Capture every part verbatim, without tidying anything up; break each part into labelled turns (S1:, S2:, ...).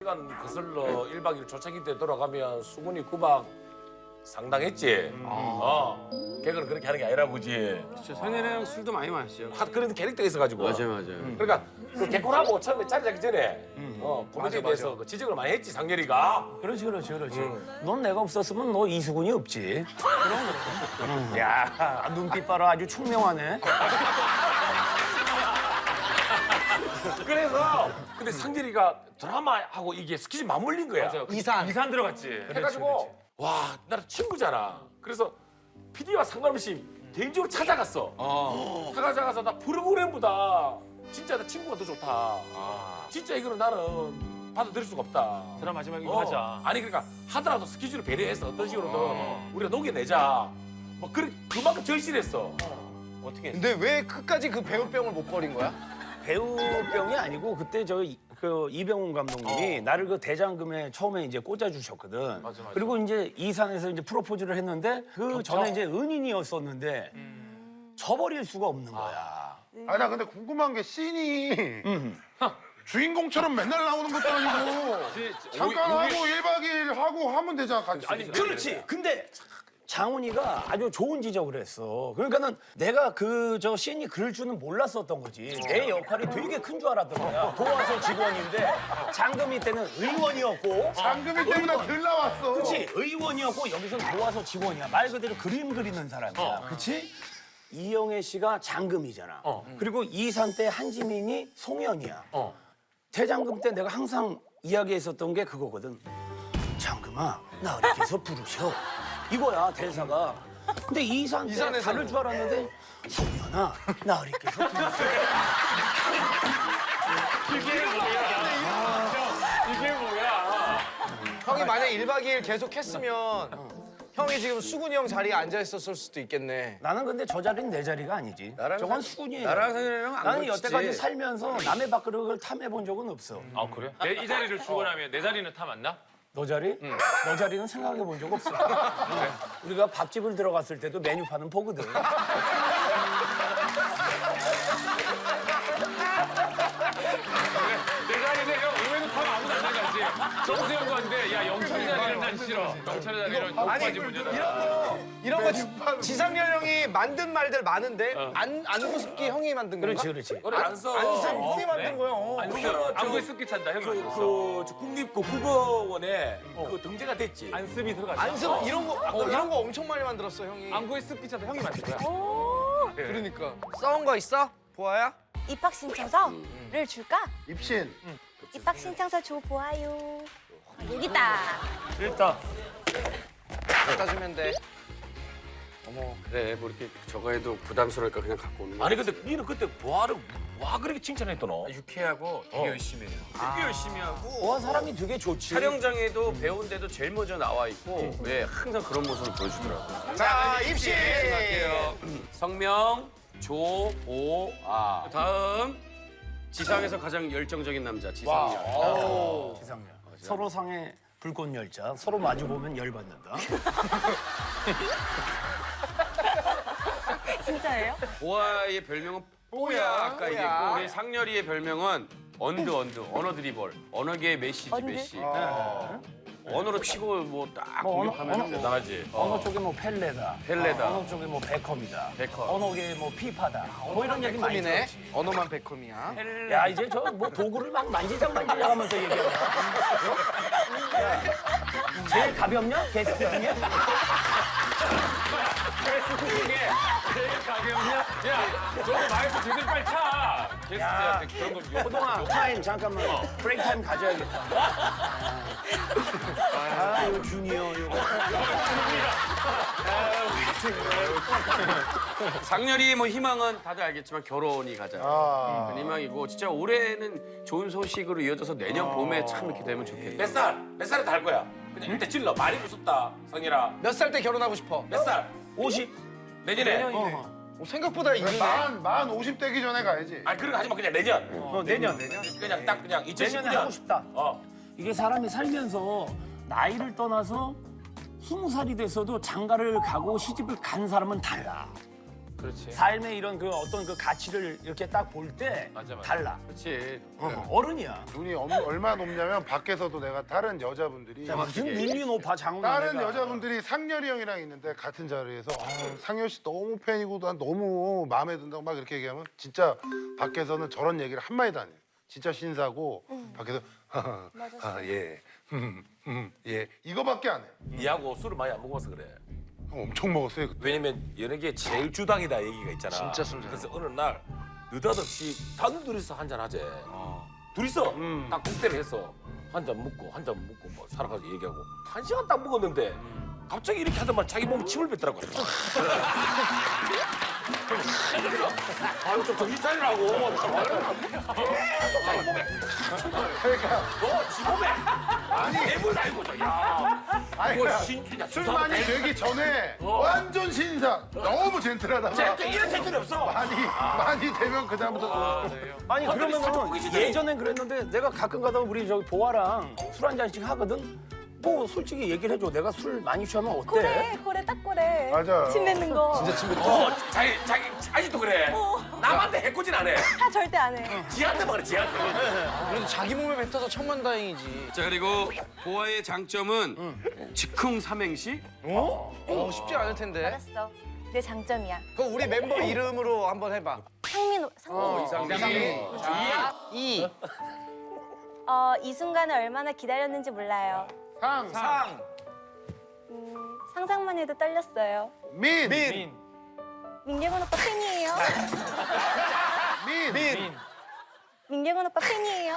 S1: 시간 거슬러 일 박 이 일 초창기 때 돌아가면 수근이 구박 상당했지. 어. 걔는 그렇게 하는 게 아니라 보지.
S2: 진짜 선혜랑 술도 많이 마셨죠.
S1: 하- 그런 캐릭터가 있어가지고.
S2: 맞아요, 맞아요.
S1: 그러니까 그 개콘하고 처음에 자리 잡기 전에 어, 코미디에 대해서 그 지적을 많이 했지 상렬이가.
S3: 그렇지, 그렇지, 그렇지. 넌 내가 없었으면 너 이수근이 없지. 그럼, 그럼. 야, 눈빛 봐라. 아주 총명하네.
S1: 그래서 근데 상렬이가 드라마하고 이게 스케줄 맞물린 거야.
S4: 이산.
S2: 이산 들어갔지.
S1: 해가지고 와 나랑 친구잖아. 그래서 피디와 상관없이 개인적으로 찾아갔어. 찾아가서 나 프로그램보다 진짜 나 친구가 더 좋다. 진짜 이거는 나는 받아들일 수가 없다.
S2: 드라마 마지막에 이거
S1: 어.
S2: 하자.
S1: 아니 그러니까 하더라도 스케줄을 배려해서 어떤 식으로든 우리가 녹여내자. 뭐 그래 그만큼 절실했어.
S2: 어떻게 했어?
S4: 근데 왜 끝까지 그 배우병을 못 버린 거야?
S3: 배우병이 아니고 그때 저 그 이병훈 감독님이 나를 그 대장금에 처음에 이제 꽂아주셨거든.
S2: 맞아, 맞아.
S3: 그리고 이제 이산에서 이제 프로포즈를 했는데 그 전에 이제 은인이었었는데 저버릴 수가 없는 거야.
S5: 아니 나 근데 궁금한 게 씬이 주인공처럼 맨날 나오는 것도 아니고 잠깐 하고 일 박 이 일 하고 하면 되잖아 같이.
S3: 아니 그렇지. 근데 장훈이가 아주 좋은 지적을 했어. 그러니까는 내가 그 저 씬이 그럴 줄은 몰랐었던 거지. 내 역할이 되게 큰 줄 알았던 거야. 도와서 직원인데 장금이 때는 의원이었고.
S5: 장금이 때문에 덜 나왔어.
S3: 그렇지. 의원이었고 여기서는 도와서 직원이야. 말 그대로 그림 그리는 사람이야. 그렇지? 이영애 씨가 장금이잖아. 그리고 이산 때 한지민이 송현이야. 대장금 때 내가 항상 이야기했었던 게 그거거든. 장금아, 나 이렇게 해서 부르셔. 이거야 대사가. 근데 이산 때
S4: 이산에서는.
S3: 다를 줄 알았는데 송현아, 나 이렇게 해서 부르셔.
S2: 이게 뭐야?
S4: 형이 만약 일 박 이 일 계속 했으면 형이 지금 수근이 형 자리에 앉아 있었을 수도 있겠네.
S3: 나는 근데 저 자리는 내 자리가 아니지. 저건 수군이에요.
S4: 나랑 성현이랑 안
S3: 나는
S4: 걸치지.
S3: 여태까지 살면서 남의 밥그릇을 탐해 본 적은 없어.
S2: 아 그래? 내, 이 자리를 주고 나면 내 자리는 타 맞나?
S3: 너 자리? 너 자리는 생각해 본 적 없어. 우리가 밥집을 들어갔을 때도 메뉴판은 보거든.
S2: 내 자리는 형 의외로 타면 아무도 안 나가지. 정수 형도 한데 야 영철이 자리는 난 싫어. 영철이 자리는
S4: 아니
S2: 여기까지 문제다.
S4: 이런 거 이런 거 지- 지상렬 형이 만든 말들 많은데 안 안구습기 형이 만든 건가?
S3: 그렇지, 그렇지.
S1: 그래 안 써.
S4: 안습 형이 만든 거야. 어.
S1: 그거는
S2: 안구에 습기 찬다 형이
S1: 그,
S2: 만들었어.
S1: 그, 저 국립고 국어원에 그 등재가 됐지.
S2: 안습이 들어갔어.
S4: 안습 이런 거 어, 이런 거 엄청 많이 만들었어 형이.
S2: 안구에 습기 찬다 형이 만든 거야.
S4: 그러니까 싸운 거 있어? 보아야?
S6: 입학 신청서를 줄까?
S5: 입신.
S6: 입학 신청서 줘 보아요. 여기 있다.
S3: 일단
S4: 갖다 주면 돼.
S7: 그래 뭐 이렇게 저거 해도 부담스러우니까 그냥 갖고 오는 거야.
S1: 아니 근데 니는 그때 보아를 와 그렇게 칭찬했더너.
S7: 유쾌하고 되게 열심히 해요.
S2: 되게 열심히 하고
S3: 와 사람이 되게 좋지.
S7: 촬영장에도 배우인데도 제일 먼저 나와 있고 왜 항상 그런 모습을 보여주더라고요.
S4: 자 입시.
S7: 성명 조오아. 다음 지상에서 가장 열정적인 남자 지상렬.
S3: 지상렬. 서로 상의 불꽃 열자. 서로 마주 보면 열 받는다.
S6: 진짜예요?
S7: 보아의 별명은 뽀야. 아까
S4: 뽀야.
S7: 얘기했고 우리 상렬이의 별명은 언드 언드 언어 드리블 언어계의 메시지
S6: 언드?
S7: 메시. 언어로 치고 뭐딱
S3: 뭐 언어-
S7: 공격하면
S3: 언어-
S1: 대단하지.
S3: 어느 쪽에 뭐 펠레다.
S7: 펠레다.
S3: 어느 쪽에 뭐 베컴이다.
S7: 베컴.
S3: 어느 쪽에 뭐 피파다. 뭐 이런 얘기 많이
S4: 백컴이네.
S3: 들었지.
S4: 언어만 백컴이야.
S3: 야 이제 저 뭐 도구를 막 만지작 만지작 하면서 얘기하냐. 야, 제일 가볍냐? 게스트 중에?
S2: 제일 가게였냐? 야 저거 마이크 제대로 빨리 차. 게스트한테 그런 거 욕.
S3: 호동아 타임 잠깐만 브레이크 타임 가져야겠다. 아 이거 주니어 이거.
S7: 상렬이의 뭐 희망은 다들 알겠지만 결혼이 가장
S5: 아.
S7: 큰 희망이고 진짜 올해는 좋은 소식으로 이어져서 내년 봄에 참 이렇게 되면 좋겠다.
S1: 몇 살? 몇 살에 달 거야? 그냥 일단 질러. 많이 무섭다 성일아.
S4: 몇 살 때 결혼하고 싶어?
S1: 몇 살?
S3: 오십.
S1: 내년에.
S3: 어,
S4: 어, 생각보다 이르네.
S5: 만, 만 오십 되기 전에 가야지.
S1: 아니 그런 거 하지 마. 그냥 내년.
S3: 어 내년 내년.
S1: 그냥 딱 그냥
S3: 내년에
S1: 이천십구
S3: 하고
S1: 년.
S3: 싶다.
S1: 어.
S3: 이게 사람이 살면서 나이를 떠나서 스무 살이 됐어도 장가를 가고 시집을 간 사람은 달라.
S2: 그렇지.
S3: 삶의 이런 그 어떤 그 가치를 이렇게 딱 볼 때
S2: 맞아, 맞아.
S3: 달라.
S2: 그렇지.
S3: 어, 어른이야.
S5: 눈이 엄- 얼마나 높냐면 밖에서도 내가 다른 여자분들이
S3: 무슨 눈이 높아 장훈
S5: 다른
S3: 내가.
S5: 여자분들이 상렬이 형이랑 있는데 같은 자리에서 아, 상렬 씨 너무 팬이고 난 너무 마음에 든다고 막 이렇게 얘기하면 진짜 밖에서는 저런 얘기를 한 마디도 안 해요. 진짜 신사고 밖에서 아, 예. 음, 음, 예. 이거밖에 안 해요.
S1: 니하고 술을 많이 안 먹어서 그래.
S5: 엄청 먹었어요. 그때.
S1: 왜냐면 연예계 제일 주당이다 얘기가 있잖아.
S4: 진짜 술 잘.
S1: 그래서 어느 날 느닷없이 단둘이서 한잔 하재. 둘이서 딱 국대를 해서 한 잔 먹고 한 잔 먹고 뭐 살아가서 얘기하고 한 시간 딱 먹었는데 갑자기 이렇게 하더만 자기 몸에 침을 뱉더라고. 아유 좀 정신 차리라고. 계속 자기 몸에.
S5: 그러니까
S1: 너지 몸에. 아니 애물 알고서 야.
S5: 아니,
S1: 뭐
S5: 그러니까
S1: 신, 야,
S5: 술
S1: 수상-
S5: 많이 되기 전에
S1: 어.
S5: 완전 신사. 너무 젠틀하다가
S1: 쟤 이런 새끼는 없어.
S5: 많이 많이 되면 그 다음부터
S3: 아니
S1: 완전히 살짝
S3: 그러면
S1: 보기 싫대.
S3: 예전엔 그랬는데 내가 가끔 가다가 우리 저기 보아랑 술 한 잔씩 하거든. 뭐 솔직히 얘기를 해줘. 내가 술 많이 취하면 어때?
S6: 그래, 그래, 딱 그래.
S5: 맞아요.
S6: 침 뱉는 거. 진짜
S1: 어, 자기 자기 아직도 그래. 남한테 해코진 안 해.
S6: 다 절대 안 해.
S1: 지한테만 그래 지한테.
S4: 그래도 자기 몸에 뱉어서 천만다행이지.
S7: 자 그리고 보아의 장점은 즉흥 삼행시.
S4: 어? 쉽지 않을 텐데.
S6: 알았어. 내 장점이야.
S4: 그럼 우리 멤버 이름으로 한번 해봐.
S6: 상민, 상민.
S1: 이상민.
S4: 이.
S6: 어, 이 순간을 얼마나 기다렸는지 몰라요.
S5: 상,
S4: 상.
S6: 음, 상상만 해도 떨렸어요.
S5: 민,
S4: 민.
S6: 민경훈 오빠 팬이에요.
S5: 민,
S4: 민.
S6: 민경훈 오빠 팬이에요.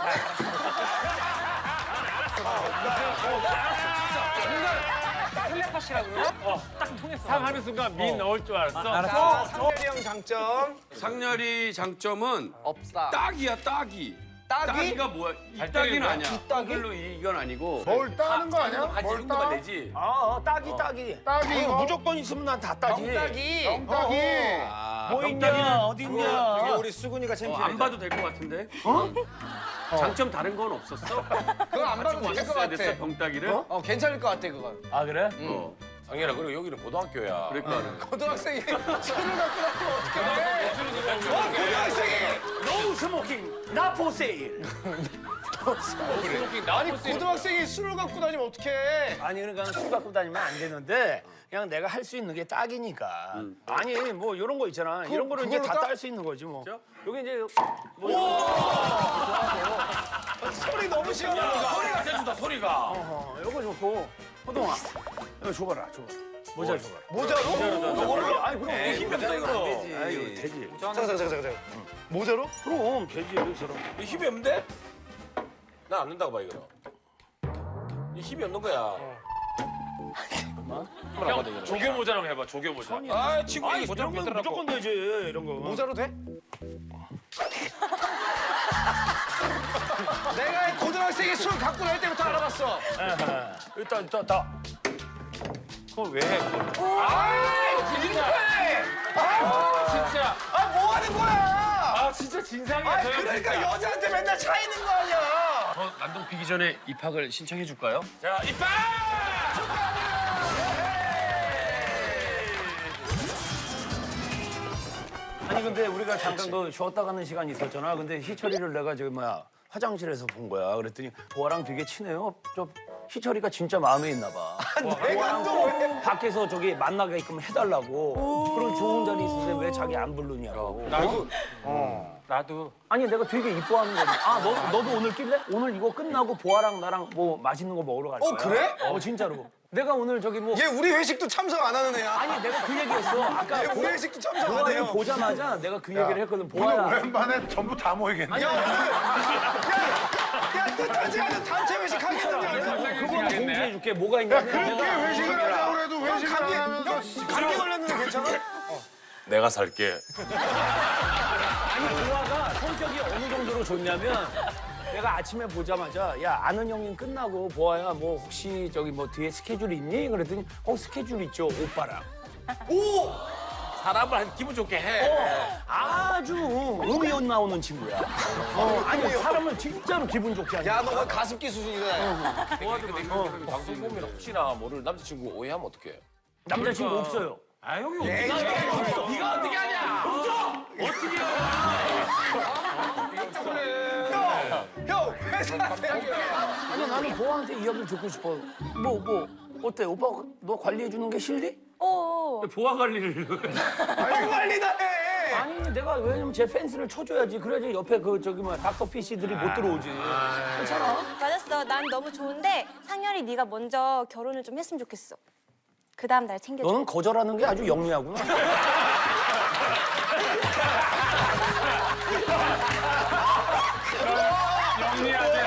S2: 상하는 순간 민 넣을 줄 알았어.
S4: 자, 상렬이 형 장점.
S7: 상렬이 장점은
S4: 없다.
S7: 딱이야 딱이.
S4: 딱이?
S7: 딱이가 뭐야? 이
S2: 잘
S7: 딱이는
S2: 때리는
S7: 아니야.
S4: 뒷딱이?
S7: 그걸로 이건 아니고.
S5: 뭘 따는 거 아니야?
S1: 한
S5: 뭘
S1: 정도만
S5: 따?
S1: 내지.
S3: 아, 어, 따기 따기.
S5: 따기
S3: 어,
S5: 이거?
S3: 무조건 있으면 난 다 따지.
S4: 딱이.
S5: 따기.
S3: 뭐 있냐 어디 있냐.
S4: 우리 수근이가
S7: 어,
S4: 챔피언.
S7: 안 봐도 될 것 같은데. 어? 장점 다른 건 없었어?
S4: 그거 안 봐도 될 것
S7: 써야 됐어
S4: 같아.
S7: 병따기를?
S4: 어, 괜찮을 것 같아, 그건.
S3: 아 그래?
S7: 어.
S1: 상현아 그리고 여기는 고등학교야.
S7: 그러니까.
S4: 고등학생이 술을 갖고 나면 어떻게 돼? 어, 고등학생이!
S3: 노 스모킹, 나 포세일.
S4: 아니, 고등학생이 술을 갖고 다니면 어떡해?
S3: 아니 그러니까 술 갖고 다니면 안 되는데 그냥 내가 할 수 있는 게 딱이니까. 아니 뭐 이런 거 있잖아. 이런 거를 이제
S4: 그걸로
S3: 다
S4: 딱?
S3: 딸 수 있는 거지 뭐. 여기 이제
S4: 소리 너무 시원하다.
S1: 소리가 재준다 소리가.
S3: 어, 이거 좋고 호동아 이거 줘봐라 줘봐라. 모자 줘봐라.
S4: 모자로?
S3: 아니 그럼
S1: 힘이 없어 이거.
S3: 아유 되지.
S4: 잠깐, 잠깐, 잠깐, 잠깐. 모자로?
S3: 그럼 되지 여기서는.
S1: 이 힘이 없는데? 난 안 된다고 봐 이거. 이 힘이 없는 거야.
S2: 형 조교 모자랑 해봐. 조교 모자.
S1: 아 친구
S3: 아니
S1: 이거
S3: 이런 건
S1: 뱉더라고.
S3: 무조건 되지 이런 거.
S4: 모자로 돼? 내가 고등학생이 술 갖고 다닐 때부터 알아봤어.
S3: 일단 일단 다.
S2: 그걸 왜 해? 그걸? 진짜.
S4: 아, 뭐 하는 거야?
S2: 아 진짜 진상이야.
S4: 아,
S2: 저 형
S4: 그러니까
S2: 진짜.
S4: 여자한테 맨날 차 있는 거 아니야?
S7: 저 난동 피기 전에 입학을 신청해 줄까요?
S1: 자 이빨.
S3: 아니 근데 우리가 잠깐 그 쉬었다 가는 시간이 있었잖아. 근데 희철이를 내가 저기 뭐야 화장실에서 본 거야. 그랬더니 보아랑 되게 친해요. 저 희철이가 진짜 마음에 있나 봐.
S4: 내가 또 왜?
S3: 밖에서 저기 만나게끔 해달라고. 그런 좋은 자리 있는데 왜 자기 안 부르냐고.
S2: 나도. 나도.
S3: 아니 내가 되게 이뻐하는 거지. 아 너, 너도 오늘 낄래? 오늘 이거 끝나고 보아랑 나랑 뭐 맛있는 거 먹으러 갈 거야.
S4: 어, 그래?
S3: 어 진짜로. 내가 오늘 저기 뭐
S4: 얘 우리 회식도 참석 안 하는 애야.
S3: 아니 내가 그 얘기했어. 아까
S4: 얘 우리 회식도 참석 안
S3: 보아를
S4: 해요.
S3: 보자마자 내가 그 얘기를 했거든.
S5: 오늘
S3: 보아야.
S5: 오랜만에 전부 다 모이겠네.
S4: 야, 뜻하지 않은 단체 회식 하겠는데.
S3: 그거는 공지해줄게. 뭐가 있냐면
S5: 그렇게 회식을 하자고 그래도 회식을
S4: 감기,
S5: 안 하면서
S4: 감기 걸렸는데 괜찮아?
S1: 내가 살게.
S3: 아니 보아가 성격이 어느 정도로 좋냐면 내가 아침에 보자마자 야 아는 형님 끝나고 보아야 뭐 혹시 저기 뭐 뒤에 스케줄 있니? 그랬더니 어 스케줄 있죠 오빠랑.
S1: 오. 사람을 한 기분 좋게 해.
S3: 어, 아주 음이온 나오는 친구야. 어, 아니 사람을 진짜로 기분 좋게 하냐.
S4: 야, 너 가습기 수준이다.
S1: 도와도 방송 보면 혹시나 모를 남자친구 오해하면 어떡해?
S3: 남자친구 없어요.
S2: 아 형이 어떻게 알아?
S1: 네가 어떻게 하냐? 없어. 어떻게 해?
S4: 형 회사한테
S3: 아니 나는 보아한테 이야기를 듣고 싶어. 뭐 뭐 어때? 오빠 너 관리해 주는 게 싫니?
S6: 어.
S2: 보아 관리를.
S4: 관리다 해.
S3: 아니 내가 왜냐면 제 펜스를 쳐줘야지. 그래야지 옆에 그 저기 뭐 닥터 피씨들이 못 들어오지. 괜찮아?
S6: 맞았어. 난 너무 좋은데 상렬이 네가 먼저 결혼을 좀 했으면 좋겠어. 그 다음 날 챙겨줘.
S3: 너는 거절하는 게 아주 영리하구나.
S2: 영리하게.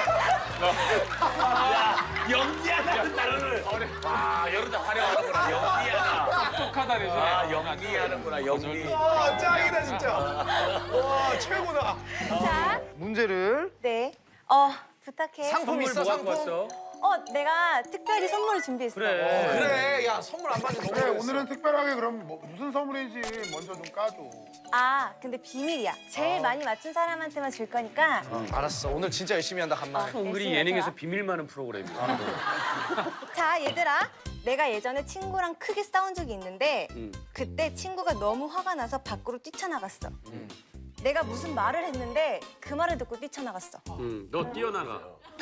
S1: 연기하다는 단어를. 아, 여러분 활용하는구나. 연기하다.
S2: 똑똑하다 대신에.
S1: 아, 연기하는구나. 연기.
S4: 와 짱이다 진짜. 와 최고다.
S6: 자,
S4: 문제를
S6: 네. 어, 부탁해.
S4: 상품 있어
S2: 뭐 갖고
S4: 상품.
S2: 왔어?
S6: 어, 내가 특별히 선물을 준비했어.
S2: 그래.
S4: 그래 야 선물 안 받는 너무
S5: 그래
S4: 잘했어.
S5: 오늘은 특별하게 그럼 뭐, 무슨 선물인지 먼저 좀 까줘.
S6: 아, 근데 비밀이야. 제일 많이 맞춘 사람한테만 줄 거니까.
S4: 알았어 오늘 진짜 열심히 한다 간만에.
S6: 열심히
S2: 은근히
S6: 해서.
S2: 예능에서 비밀 많은 프로그램이야.
S6: 자, 얘들아. 내가 예전에 친구랑 크게 싸운 적이 있는데 그때 친구가 너무 화가 나서 밖으로 뛰쳐나갔어. 내가 무슨 말을 했는데 그 말을 듣고 뛰쳐나갔어.
S2: 응, 너 뛰어나가.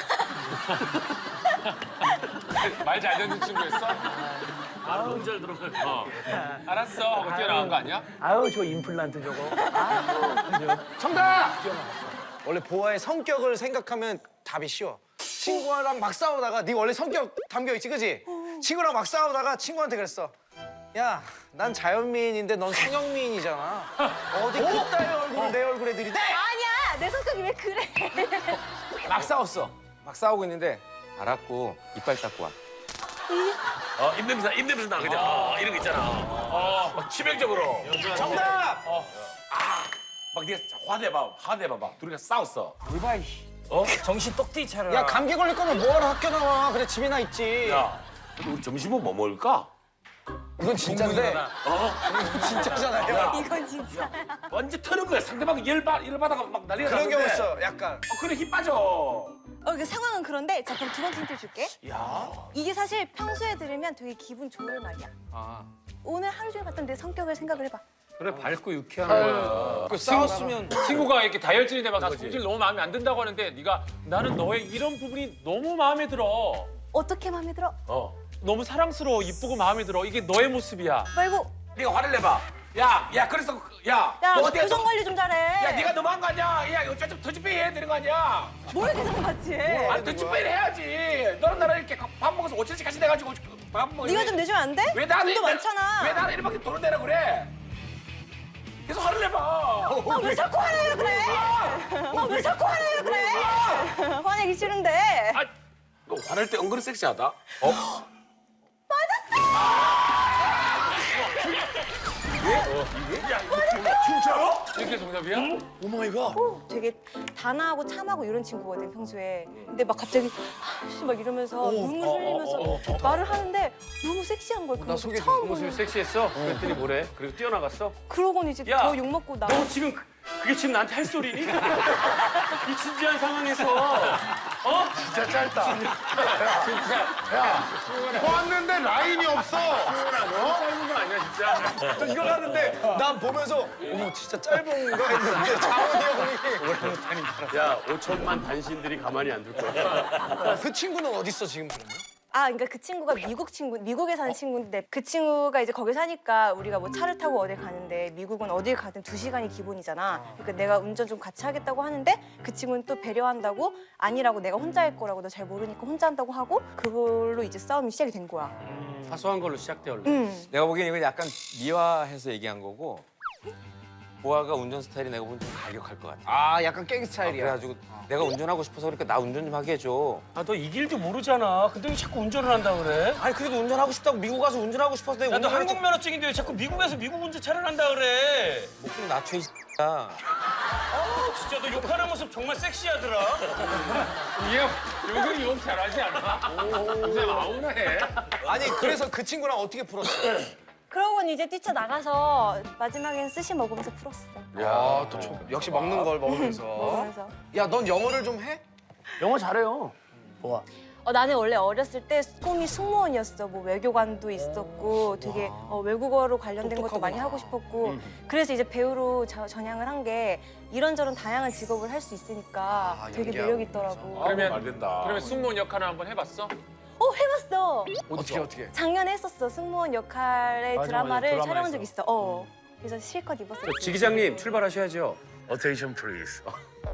S2: 말 잘 듣는 친구였어? 아, 너무 잘 들어가. 어. 알았어. 하고 뛰어나간 거 아니야?
S3: 아유 저 임플란트 저거. 아유,
S4: 정답. 원래 보아의 성격을 생각하면 답이 쉬워. 친구랑 막 싸우다가 네 원래 성격 담겨 있지 그지? 친구랑 막 싸우다가 친구한테 그랬어. 야, 난 자연미인인데 넌 성형미인이잖아. 어디 그따위 얼굴을 내 얼굴에 들이대?
S6: 아니야, 내 성격이 왜 그래?
S8: 막 싸웠어. 막 싸우고 있는데 알았고 이빨 닦고 와.
S1: 어, 입냄새, 입냄새 나, 그냥. 어, 이런 거 있잖아. 어, 막 치명적으로.
S4: 정답.
S1: 막 네가 화내봐, 화내봐봐. 둘이가 싸웠어.
S8: 정신 똑띠 차려.
S4: 야, 감기 걸릴 거면 뭐하러 학교 나와? 그래 집이나 있지.
S1: 야, 근데 우리 점심은 뭐 먹을까?
S4: 이건 진짜인데.
S1: 어?
S4: 진짜잖아요.
S6: 이건 진짜.
S1: 완전 터는 거야. 상대방이 열, 받, 열 받아가 막 난리가
S4: 그런
S1: 나는데.
S4: 경우 있어. 약간.
S1: 어, 그래, 힘 빠져.
S6: 어, 그 상황은 그런데 자, 그럼 두 번째 힌트 줄게. 이게 사실 평소에 들으면 되게 기분 좋을 말이야. 오늘 하루 종일 봤던 내 성격을 생각을 해봐.
S2: 그래, 밝고 유쾌한 거야.
S8: 그 싸웠으면
S2: 친구가 이렇게 다혈질이 돼막 나 성질 너무 마음에 안 든다고 하는데 네가 나는 너의 이런 부분이 너무 마음에 들어.
S6: 어떻게 마음에 들어?
S1: 어.
S2: 너무 사랑스러워, 이쁘고 마음에 들어. 이게 너의 모습이야.
S6: 말고
S1: 네가 화를 내봐. 야, 야, 그래서, 야,
S6: 야,
S1: 너
S6: 너
S1: 어디야?
S6: 표정 관리 좀 잘해.
S1: 야, 네가 너무한 거 아니야? 야, 이거 좀 터치페이 해야 되는 거 아니야?
S6: 뭘 계속 봤지?
S1: 아니, 터치페이를 해야지. 너랑 나랑 이렇게 밥 먹어서 오천씩 같이 내가지고 밥 먹어.
S6: 네가 좀 내주면 안 돼?
S1: 왜 나는
S6: 돈도 많잖아.
S1: 왜 나는 이렇게 돈을 내라 그래? 계속 화를 내봐.
S6: 아, 왜 자꾸 화내려 그래? 아, 왜 자꾸 화내려 그래? 화내기 싫은데.
S1: 아, 너 화낼 때 은근히 섹시하다. 어?
S2: 이게 정답이야?
S6: 어, 되게 단아하고 참하고 이런 친구거든 평소에. 근데 막 갑자기 아, 막 이러면서 눈물 흘리면서 말을 하는데 너무 섹시한 거야. 그거
S4: 소개 좀.
S6: 처음
S2: 모습이
S6: 보는.
S2: 섹시했어? 그랬더니 뭐래? 그리고 뛰어나갔어?
S6: 그러고는 이제
S2: 야,
S6: 더 욕먹고 나.
S2: 너 지금 그- 그게 지금 나한테 할 소리니? 이 진지한 상황에서 어?
S5: 진짜 짧다. 야, 보았는데 라인이 없어.
S2: 짧은 거 아니야 진짜?
S4: 저 이거 하는데 난 보면서 어머 진짜 짧은가 했는데 장원이 형이.
S7: 야, 오천만 단신들이 가만히 안 둘 거야.
S4: 그 친구는 어디 있어 지금 그러면?
S6: 아, 그러니까 그 친구가 미국 친구, 미국에 사는 친구인데 그 친구가 이제 거기 사니까 우리가 뭐 차를 타고 어딜 가는데 미국은 어딜 가든 두 시간이 기본이잖아. 그러니까 내가 운전 좀 같이 하겠다고 하는데 그 친구는 또 배려한다고 아니라고 내가 혼자 할 거라고 너 잘 모르니까 혼자 한다고 하고 그걸로 이제 싸움이 시작이 된 거야.
S2: 사소한 걸로 시작돼 원래.
S6: 응.
S8: 내가 보기엔 이건 약간 미화해서 얘기한 거고 보아가 운전 스타일이 내가 보기엔 좀 가격할 것 같아.
S4: 아 약간 깽 스타일이야.
S8: 그래가지고 내가 운전하고 싶어서 그러니까 나 운전 좀 하게 해줘.
S2: 아 너 이 길도 모르잖아. 근데 왜 자꾸 운전을 한다 그래?
S8: 아니 그래도 운전하고 싶다고 미국 가서 운전하고 싶어서 내가
S2: 야 너
S8: 운전을
S2: 한국 면허증인데 왜 자꾸 미국에서 미국 운전차를 한다 그래?
S8: 목좀 낮춰 이 X야.
S2: 아 진짜 너 욕하는 모습 정말 섹시하더라. 얘 요즘 욕 잘하지 않아? 요새 아우나 해.
S4: 아니 그래서 그 친구랑 어떻게 풀었어?
S6: 그러고는 이제 뛰쳐나가서 마지막엔 스시 먹으면서 풀었어.
S4: 야또 역시 먹는 걸 먹으면서.
S6: 먹으면서.
S4: 야 넌 영어를 좀 해?
S3: 영어 잘해요. 보아.
S6: 어, 나는 원래 어렸을 때 꿈이 승무원이었어. 뭐 외교관도 있었고 되게 어, 외국어로 관련된 것도 많이 하고 싶었고 그래서 이제 배우로 저- 전향을 한 게 이런저런 다양한 직업을 할 수 있으니까
S4: 아,
S6: 되게
S4: 연기하고.
S6: 매력 있더라고.
S2: 그러면-
S1: 안 된다.
S2: 그러면 승무원 역할을 한번 해봤어?
S6: 어 해봤어.
S4: 어떻게 어떻게?
S6: 작년에 했었어. 승무원 역할의
S3: 맞아,
S6: 드라마를
S3: 맞아.
S6: 촬영한 적
S3: 드라마에서.
S6: 있어. 어. 그래서 실컷 입었어.
S7: 지 기자님 출발하셔야죠.
S1: Attention please.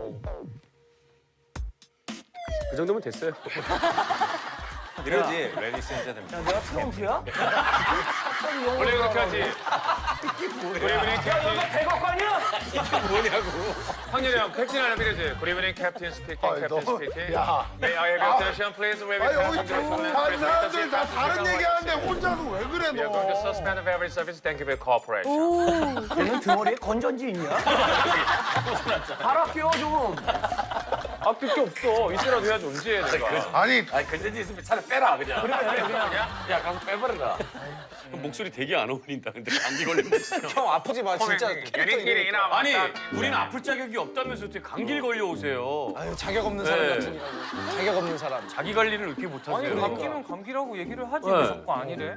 S7: 그 정도면 됐어요.
S8: 이러지. 레디스 앤 제들.
S3: 야, 내가 트럼프야?
S2: 원래 그렇게 하지. Good evening, Captain.
S3: 백악관이야?
S2: 황렬이 형, 캡틴 하나 빌려줘요. Good evening, Captain speaking,
S5: 아이,
S2: Captain
S5: 너무-
S2: speaking.
S5: 야.
S2: May I have your attention, please? We
S5: 아
S2: will
S5: 여기
S2: have some
S5: 다른 사람들 다 다른 얘기하는데 혼자서 왜 그래
S2: We are going to
S5: 너?
S2: suspend every service. Thank you for your cooperation.
S3: 얘는 등어리에 건전지 있냐? 갈아 끼워 좀.
S2: 아낄 게 없어. 이때라도 해야지 언제 해 내가.
S5: 아니
S1: 아니 근데 있으면 차라리 빼라 그냥. 그래 그냥. 야 가서 빼버려라.
S7: 목소리 되게 안 어울린다. 근데 감기 걸리면
S4: 형 아프지 마 진짜. 캐릭터
S2: 연인끼리
S4: 이러니까.
S2: 이나
S7: 아니 우리는 아플 자격이 없다면서 어떻게 감기를 걸려 오세요?
S4: 아유 자격 없는 사람
S7: 네.
S4: 같으니라고. 자격 없는 사람.
S7: 자기 관리를 이렇게 못하세요?
S2: 감기면 감기라고 얘기를 하지
S7: 네.
S2: 왜 자꾸 아니래?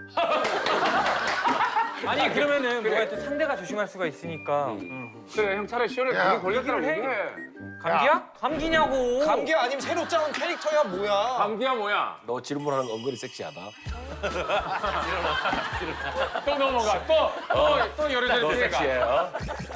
S9: 아니 그러면은 뭐가 또 상대가 조심할 수가 있으니까
S2: 그래 형 차라리 시원하게
S5: 야,
S2: 감기 걸렸다고
S9: 해.
S2: 얘기해.
S9: 감기야? 감기냐고.
S4: 감기 아니면 새로 짜온 캐릭터야 뭐야?
S2: 감기야 뭐야?
S1: 너 질문하는 거 은근히 섹시하다.
S2: 또 넘어가 또또또 여러
S1: 너
S2: 개
S1: 섹시해. 어?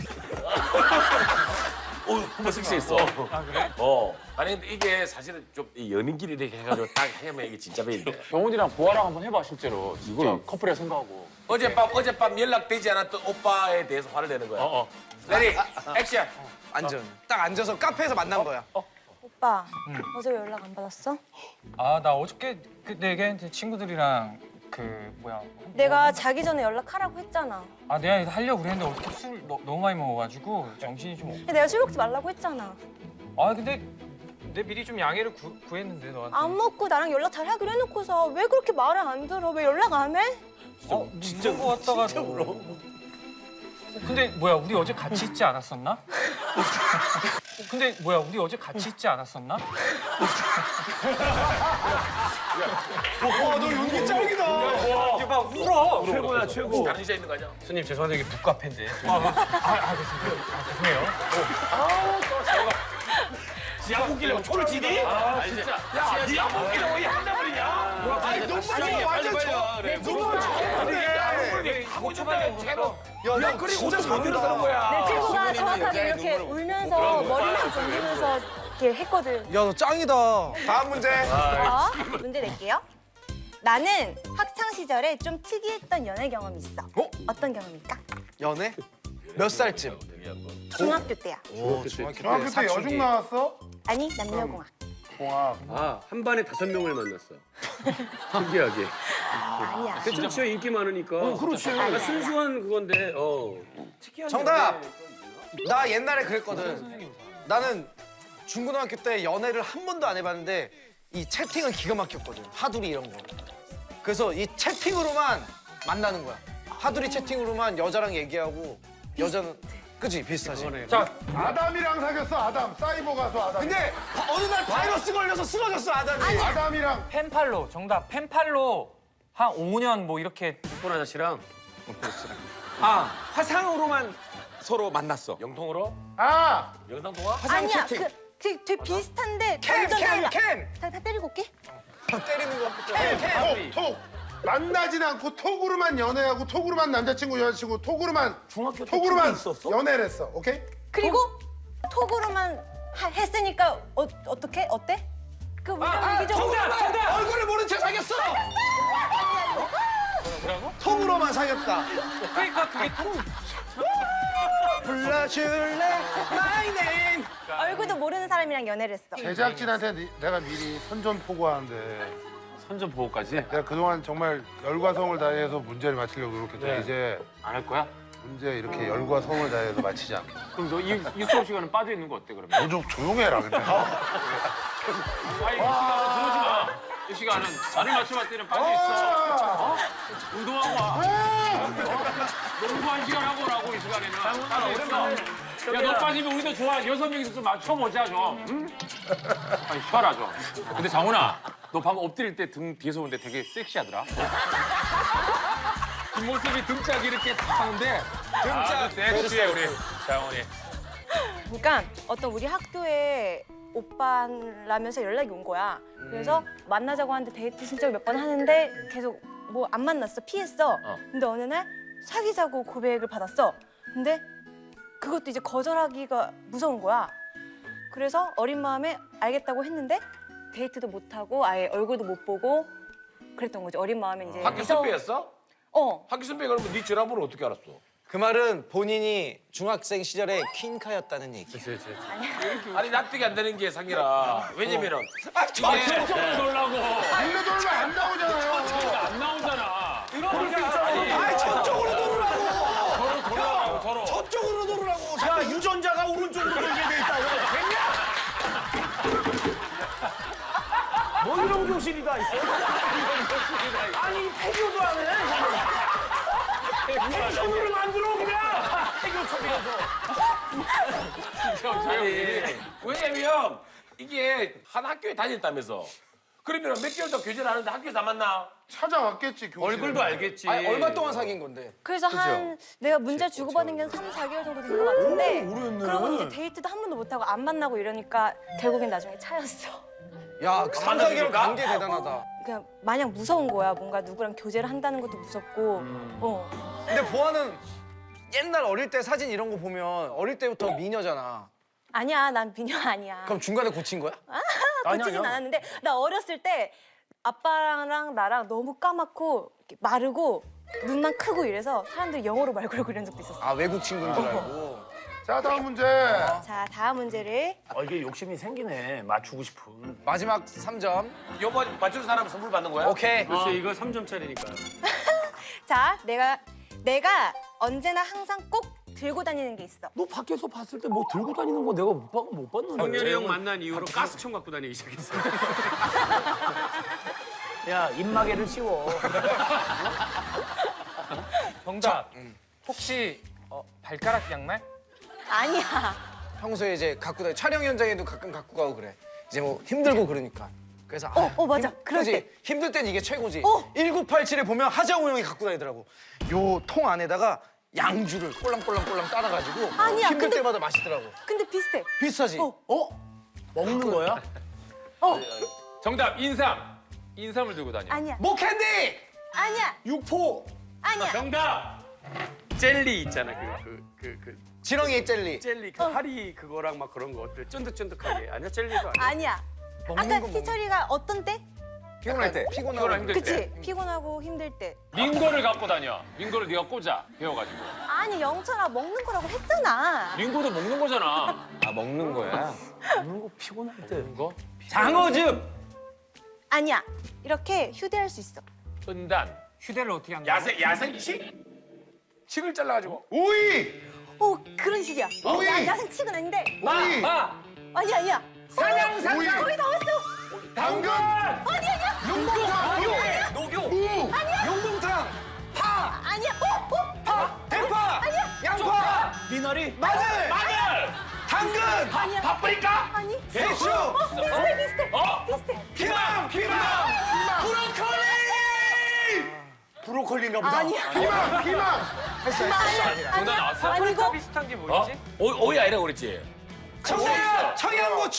S1: 어, 한번 섹시했어. 아 그래? 어. 아니 근데 이게 사실은 좀이 연인끼리 이렇게 해가지고 딱 하면 이게 진짜 배인데.
S2: 영훈이랑 보아랑 한번 해봐 실제로. 이걸 커플이라 생각하고.
S1: 어젯밤 어젯밤 연락되지 않았던 오빠에 대해서 화를 내는 거야.
S2: 어 어.
S1: 레디 액션.
S4: 앉아. 딱 앉아서 카페에서 만난 거야.
S6: 오빠 어제 왜 연락 안 받았어?
S9: 아 나 어저께 그 내게 친구들이랑 그 뭐야.
S6: 내가 자기 전에 연락하라고 했잖아.
S9: 아 내가 하려고 그랬는데 어떻게 술 너, 너무 많이 먹어가지고 정신이 좀. 없...
S6: 근데 내가 술 먹지 말라고 했잖아.
S9: 아 근데 내 미리 좀 양해를 구, 구했는데 너한테.
S6: 안 먹고 나랑 연락 잘 하기로 해놓고서 왜 그렇게 말을 안 들어? 왜 연락 안 해?
S9: 어, 진짜 거 같다가. 진짜 울어. 근데 뭐야 우리 어제 같이 있지 않았었나? 어, 근데 뭐야 우리 어제 같이 있지 않았었나?
S4: 와너 연기 짱이다.
S9: 이게 막 울어.
S3: 최고야, 최고.
S1: 다른 여자 있는 거 아니야?
S9: 손님 죄송한데 이게 북카페인데. 아, 아, 아, 아, 죄송해요. 아, 죄송해요.
S1: 지하 웃기려고 초를 지니? 아 진짜. 야 지하 웃기려고 이 한다버리냐?
S5: 아니 눈물이 완전 저.
S1: 하고 싶다 최고.
S4: 야너
S1: 그리고 혼자 잠들어 사는 거야.
S6: 내 친구가 정확하게 이렇게 울면서 머리만 돌리면서 이렇게 했거든.
S4: 야너 짱이다. 다음 문제.
S6: 어? 문제 낼게요. 나는 학창 시절에 좀 특이했던 연애 경험이 있어.
S4: 어?
S6: 어떤 경험일까?
S4: 연애? 몇 살쯤?
S6: 중학교 때야.
S4: 오 중학교 때
S5: 중학교 때
S4: 사춘기.
S5: 여중 나왔어?
S6: 아니 남녀공학.
S5: 공학.
S7: 아, 한 반에 다섯 명을 만났어. 신기하게.
S6: 아니야.
S7: 괜찮죠? 인기 많으니까. 어, 그렇지. 아, 순수한 그건데, 어.
S4: 정답. 나 옛날에 그랬거든. 나는 중고등학교 때 연애를 한 번도 안 해봤는데 이 채팅은 기가 막혔거든. 하두리 이런 거. 그래서 이 채팅으로만 만나는 거야. 하두리 채팅으로만 여자랑 얘기하고 여자는 그치 비슷하지.
S2: 자
S5: 아담이랑 사귀었어. 아담. 사이버 가수 아담.
S4: 근데 바- 어느 날 바이러스 걸려서 쓰러졌어 아담이.
S5: 아담이랑
S9: 펜팔로 정답. 펜팔로 한 오 년 뭐 이렇게.
S7: 폰 아저씨랑.
S8: 아 화상으로만 서로 만났어.
S1: 영통으로?
S5: 아
S1: 영상 통화?
S6: 아니야. 그, 그 되게 비슷한데
S4: 캠,
S6: 완전
S4: 캠,
S6: 달라.
S4: 캠.
S6: 다, 다 때리고 올게.
S4: 때리는 거. 캠, 캠.
S5: 톡, 톡. 만나진 않고 톡으로만 연애하고 톡으로만 남자친구 여자친구 톡으로만
S3: 중학교 때
S5: 톡으로만
S3: 톡이 있었어?
S5: 연애를 했어. 오케이?
S6: 그리고 톡으로만 하- 했으니까 어, 어떻게? 어때? 그 무슨 얘기죠?
S4: 정답, 정답. 얼굴을 모른 채 사귀었어.
S9: 뭐라고?
S4: 톡으로만 사귀었다.
S9: 그러니까 그게 통.
S4: 불러줄래 my name.
S6: 얼굴도 모르는 사람이랑 연애를 했어.
S5: 제작진한테 니- 내가 미리 선전포고하는데
S2: 선전 보호까지
S5: 내가 그동안 정말 열과 성을 다해서 문제를 맞히려고 노력했더니 이제
S2: 안 할 거야?
S5: 문제 이렇게 열과 성을 다해서 맞히지 않게.
S2: 그럼 너 이 이 수업 시간은 빠져 있는 거 어때 그러면?
S5: 너 좀 조용해라 근데.
S2: 아이 이 시간은 들어오지 마. 이 시간은 나를 맞춰봤을 때는 빠져 있어. 어? 운동하고 와. 농구한 시간 하고 오라고 이 시간에는. 따로 오랜만에. 야, 너 빠지면 우리도 좋아. 여섯 명이서 좀 맞춰보자, 좀. 응? 아니, 쉬어라, 좀. 근데 장훈아, 너 방금 엎드릴 때 등 뒤에서 보는데 되게 섹시하더라. 뒷모습이 등짝이 이렇게 탁 하는데. 등짝. 섹시해, 우리 장훈이.
S6: 그러니까 어떤 우리 학교에 오빠라면서 연락이 온 거야. 그래서 만나자고 하는데 데이트 신청 몇 번 하는데 계속 뭐 안 만났어. 피했어. 근데 어느 날 사귀자고 고백을 받았어. 근데 그것도 이제 거절하기가 무서운 거야. 그래서 어린 마음에 알겠다고 했는데 데이트도 못 하고 아예 얼굴도 못 보고 그랬던 거지. 어린 마음에 이제
S1: 학교
S6: 무서워-
S1: 선배였어?
S6: 어.
S1: 학교 선배 그러면 네 전화번호 어떻게 알았어?
S4: 그 말은 본인이 중학생 시절에 퀸카였다는 얘기.
S1: 아니 납득이 안 되는 게 상이라. 왜냐면은
S2: 아, 저쪽으로 놀라고.
S5: 일로 돌면 안 나오잖아요.
S2: 안 나오잖아.
S3: 아이 저쪽으로 돌으라고.
S2: 서로 돌아가고, 서로.
S3: 저쪽으로 돌으라고. 야 유전자가 오른쪽으로 돌게 돼 있다고. 됐냐? 뭐 이런 교실이 다 있어? 아니 태교도 안 해. 텐션으로 만들어 그냥. 태교 초빙해서.
S1: 아니 왜냐면 이게 한 학교에 다녔다면서. 그러면 몇 개월 더 교제를 하는데 학교에서 안 만나?
S5: 찾아왔겠지 교실.
S2: 얼굴도 알겠지.
S4: 아니, 얼마 동안 사귄 건데?
S6: 그래서 한 내가 문자 주고받은 게 한 삼, 사 개월 정도 된 것 같은데 그러고 이제 데이트도 한 번도 못하고 안 만나고 이러니까 결국엔 나중에 차였어.
S4: 야, 그 삼, 사 개월 관계 대단하다.
S6: 그냥 마냥 무서운 거야. 뭔가 누구랑 교제를 한다는 것도 무섭고.
S2: 음.
S6: 어.
S4: 근데 보아는 옛날 어릴 때 사진 이런 거 보면 어릴 때부터 미녀잖아.
S6: 아니야, 난 미녀 아니야.
S4: 그럼 중간에 고친 거야?
S6: 고치진 않았는데 나 어렸을 때 아빠랑 나랑 너무 까맣고 이렇게 마르고 눈만 크고 이래서 사람들이 영어로 말 걸고 이런 적도 있었어.
S4: 아, 외국 친구인 줄 알고.
S5: 자 다음 문제.
S6: 자, 다음 문제를
S3: 어 이게 욕심이 생기네. 맞추고 싶은.
S4: 마지막 삼 점.
S1: 요번 맞추는 사람은 선물 받는 거야?
S4: 오케이.
S2: 그렇지, 이거 삼 점짜리니까.
S6: 자, 내가 내가 언제나 항상 꼭 들고 다니는 게 있어.
S3: 너 밖에서 봤을 때 뭐 들고 다니는 거 내가 못, 봐, 못 봤는데.
S2: 성렬이 형 만난 이후로 가스총 갖고 다니기 시작했어.
S3: 야 입마개를 씌워.
S9: 정답. 혹시 어, 발가락 양말?
S6: 아니야.
S4: 평소에 이제 갖고 다니 촬영 현장에도 가끔 갖고 가고 그래. 이제 뭐 힘들고 그러니까. 그래서
S6: 어, 어, 맞아. 그럴
S4: 그지?
S6: 때.
S4: 힘들 땐 이게 최고지.
S6: 어.
S4: 천구백팔십칠에 보면 하정우 형이 갖고 다니더라고. 요 통 안에다가 양주를 꼴랑꼴랑꼴랑 따라가지고
S6: 아니야,
S4: 힘들
S6: 근데-
S4: 때마다 마시더라고.
S6: 근데 비슷해.
S4: 비슷하지?
S6: 어.
S3: 어? 먹는 거야?
S6: 어,
S2: 정답, 인삼. 인삼을 들고 다녀.
S6: 아니야.
S4: 뭐 캔디!
S6: 아니야.
S3: 육포.
S6: 아니야.
S2: 정답! 젤리 있잖아, 그, 그, 그, 그.
S4: 지렁이 젤리.
S2: 젤리, 그 파리 그거랑 막 그런 것들 쫀득쫀득하게. 아니야, 젤리도 아니야.
S6: 아니야.
S4: 먹는
S6: 아까
S4: 거 먹는
S6: 희철이가 어떤 때?
S4: 피곤할 때. 피곤하고
S2: 피곤하고 힘들
S6: 그치?
S2: 때.
S6: 피곤하고 힘들 때.
S2: 링거를 갖고 다녀. 링거를 네가 꽂아, 배워가지고.
S6: 아니, 영철아 먹는 거라고 했잖아.
S2: 링거도 먹는 거잖아.
S8: 아 먹는 거야?
S3: 먹는 거 피곤할 때.
S2: 거?
S3: 장어즙.
S6: 아니야. 이렇게 휴대할 수 있어.
S2: 은단.
S9: 휴대를 어떻게 한다?
S1: 야생 야생치? 칙을 잘라가지고.
S5: 오이.
S6: 오, 그런 식이야.
S5: 오이!
S6: 야, 야생칙은 아닌데.
S5: 오이.
S2: 아!
S6: 아니야, 아니야. 사냥,
S5: 오이.
S6: 거의 다 왔어.
S5: 당근.
S6: 아니야, 아니야.
S5: 용봉탕.
S4: 녹용.
S5: 무.
S4: 용봉탕. 파.
S6: 아니야. 어, 어.
S4: 파. 대파.
S6: 아니야.
S4: 양파.
S3: 미나리.
S4: 마늘.
S2: 마늘!
S4: 당근.
S6: 아니야.
S1: 파프리카?
S6: 아니.
S4: 배추.
S6: 어, 비슷해, 비슷해.
S2: 어?
S6: 비슷해.
S4: 피망. 피망. 브로콜리.
S3: 브로콜리인가 보다.
S6: 아니야.
S5: 피망. 피망.
S6: 아니야.
S2: 정답 나왔어?
S6: 아니고.
S9: 비슷한 게
S1: 어?
S9: 뭐였지?
S1: 오, 오이 아니라고 그랬지?
S4: 청양. 청양고추.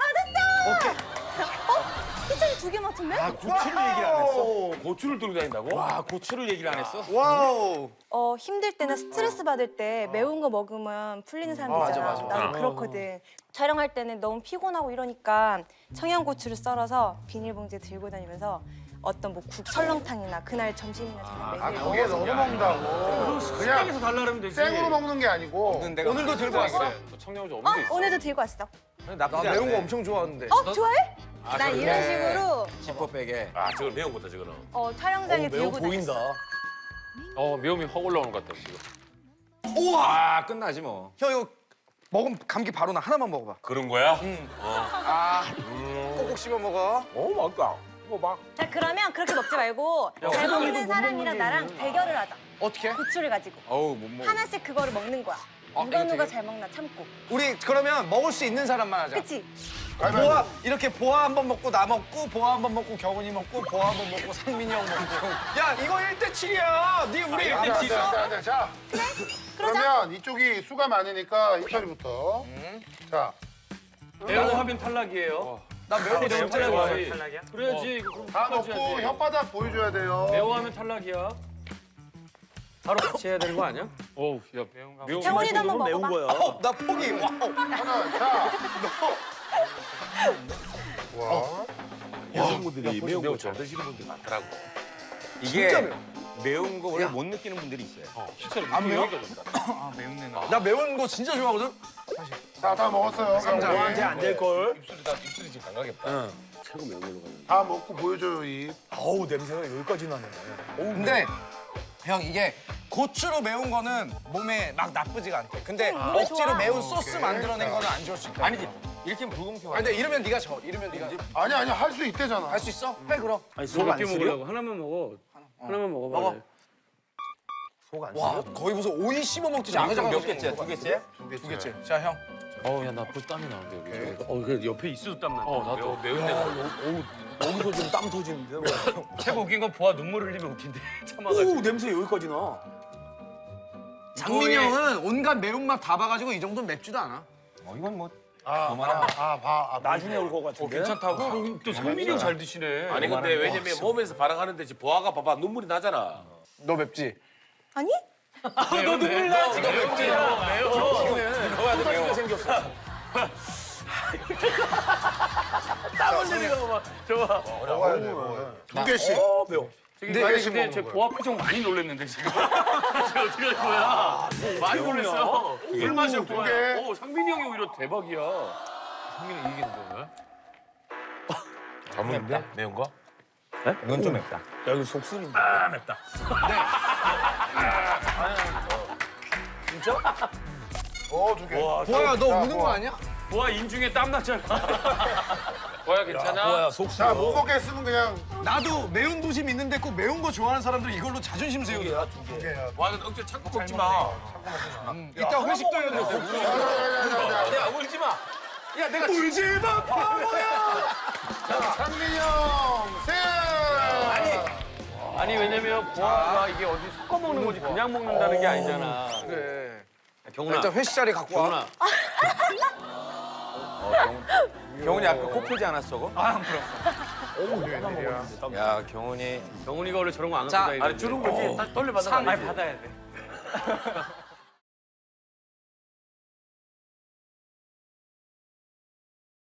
S6: 어? 희철이 두 개 맞췄네?
S3: 고추를 얘기를 안 했어.
S1: 고추를 들고 다닌다고?
S3: 와 고추를 얘기를 안 했어.
S4: 와우.
S6: 어, 힘들 때나 스트레스 받을 때 매운 거 먹으면 풀리는 사람들
S4: 맞아,
S6: 있잖아.
S4: 맞아, 맞아.
S6: 나도 그렇거든. 촬영할 때는 너무 피곤하고 이러니까 청양고추를 썰어서 비닐봉지에 들고 다니면서 어떤 뭐 국 설렁탕이나 그날 점심이나 저녁
S5: 아
S6: 메뉴에
S5: 거기에 넣어 먹는다고. 그냥
S2: 식당에서 달라 그러면 되지.
S5: 생으로 먹는 게 아니고.
S4: 오늘도 들고 왔어.
S2: 또 청양고추
S6: 어?
S2: 없는 데 있어.
S6: 오늘도 들고 왔어.
S4: 나 매운 거 엄청 좋아하는데.
S6: 어? 좋아해? 난 이런 식으로
S8: 지퍼백에.
S1: 아 저건 매운 거다 저거는.
S6: 어, 촬영장에
S3: 매워
S6: 들고
S3: 보인다.
S6: 다녔어.
S2: 어, 매움이 확 올라오는 것 같다, 지금.
S4: 우와.
S8: 아 끝나지 뭐.
S4: 형 이거 먹으면 감기 바로 나. 하나만 먹어봐.
S1: 그런 거야?
S4: 아. 꼭꼭 씹어 먹어.
S1: 오 맛있다. 뭐 막.
S6: 자, 그러면 그렇게 먹지 말고 잘 먹는 사람이랑 나랑 대결을 하자.
S4: 어떻게?
S6: 고추를 가지고.
S8: 어우 못 먹어.
S6: 하나씩 그거를 먹는 거야. 누가 누가 잘 먹나 참고.
S4: 우리 그러면 먹을 수 있는 사람만 하자.
S6: 그치?
S4: 보아 이렇게 보아 한 번 먹고 나 먹고 보아 한 번 먹고 경훈이 먹고 보아 한 번 먹고 상민이 형 먹고. 야 이거 일 대 칠이야. 네 우리 일 대
S5: 안돼
S4: 칠.
S5: 안돼 안돼. 자 그러면 이쪽이 수가 많으니까 희철이부터. 자
S7: 매운 거 하면 탈락이에요.
S4: 나 매운 거 진짜 좋아해.
S2: 탈락이야?
S7: 그래야지. 이거 그럼
S5: 다
S7: 끝까지
S5: 먹고
S7: 해야지.
S5: 혓바닥 보여줘야 돼요.
S7: 매워하면 탈락이야. 바로 같이 해야 되는 거 아니야?
S2: 어우, 야, 매운 거.
S6: 경훈이도 한번
S3: 매운
S6: 먹어봐.
S3: 거야.
S4: 어, 나 포기. 와우.
S5: 하나 자. 와.
S1: 여성분들이 매운 거 잘 드시는 분들 많더라고.
S8: 이게 매운 거 원래 못 느끼는 분들이 있어요.
S4: 안 매워?
S2: 아, 매운 내 나.
S4: 나 매운 거 진짜 좋아하거든.
S5: 자 다 먹었어요.
S3: 너한테 안 될 걸.
S1: 입술이 다 입술이 지금 강하겠다.
S5: 다 먹고 보여줘요 입.
S3: 아우 냄새가 여기까지 나네.
S4: 근데 형 이게 고추로 매운 거는 몸에 막 나쁘지가 않대. 근데
S6: 몸에
S4: 억지로
S6: 좋아.
S4: 매운 소스 만들어낸 거는 안 좋을 수 있다.
S8: 아니지. 이렇게 불공평하지.
S4: 아니 근데 이러면 네가 져. 이러면 네가
S5: 아니 아니 할 수 있대잖아.
S4: 할 수 있어? 해 그럼.
S3: 아니 속안
S7: 몇개
S3: 쓰려?
S7: 먹으려고? 하나만 먹어. 하나만 먹어봐.
S4: 먹어.
S3: 속안
S4: 와
S3: 쓰려?
S4: 거의 무슨 오이 씹어 먹듯이
S8: 자,
S4: 아그작
S8: 몇 개째? 두 개째?
S4: 두 개째. 자 형.
S1: 어우 야나 벌써 땀이 나는데 여기.
S7: 어, 그 옆에 있어도 땀나.
S1: 어 나도 매운 데가.
S3: 여기서 좀 땀 터지는데.
S7: 최고 웃긴 건 보아 눈물 흘리면 웃긴데 참아가지고.
S3: 오 냄새 여기까지 나.
S4: 장민이 형은 온갖 매운맛 다 봐가지고 이 정도는 맵지도 않아.
S8: 어, 이건 뭐
S5: 아아봐
S3: 나중에 올 것 같은데.
S7: 괜찮다고? 또 성민이 형 잘 드시네.
S1: 아니 근데 왜냐면 몸에서 발악하는데 지금 보아가 봐봐 눈물이 나잖아.
S4: 너 맵지?
S6: 아니?
S7: 너 눈물 나 지금 맵지야. 매워.
S1: 넣어야 돼 매워.
S3: 생겼어.
S1: 땀 흘리는 거 봐. 저봐.
S5: 먹어야 돼 먹어야 돼. 두 개씩.
S3: 어 매워.
S7: 근데,
S5: 네
S7: 아니,
S5: 개씩
S7: 근데
S5: 먹는
S7: 제
S5: 거야.
S7: 보아 표정 많이 놀랐는데 지금. 지금 어떻게 할 거야? 많이 놀랐어요. 물 마셔 보아.
S5: 개.
S7: 오 상민이 형이 오히려 대박이야. 상민이 이기는 거야?
S1: 잘 먹는데? 매운 거?
S8: 이건 좀 맵다.
S3: 야 이거 속순인데.
S2: 아, 맵다.
S5: 어두 개.
S4: 보아야 너 우는 거 아니야?
S7: 보아 인중에 땀 났잖아. 보아 괜찮아?
S3: 뭐야 속순.
S5: 자 못 먹겠으면 그냥
S4: 나도 매운 도심 있는데 꼭 매운 거 좋아하는 사람들 이걸로 자존심 세우더라.
S5: 두 개야.
S1: 와는 억지로 참고 먹지 마.
S4: 이따 회식도 해야 돼.
S1: 야 울지 마. 야 내가 울지 마.
S5: 상민이 형 세. 아니
S7: 아니 왜냐면 보아가 이게 어디 섞어 먹는 거지 그냥 먹는다는 게 아니잖아.
S4: 그래.
S7: 경훈아.
S4: 일단 회식 자리 갖고 와.
S7: 경훈아.
S8: 경훈이 아까 코 풀지 않았어, 저거?
S2: 아, 안 풀어.
S8: 야, 경훈이
S7: 경훈이가 원래 저런 거 안
S4: 자,
S7: 갖고 다니는데.
S1: 아니 주는 거지. 다시 돌려받아.
S2: 아니, 받아야 돼.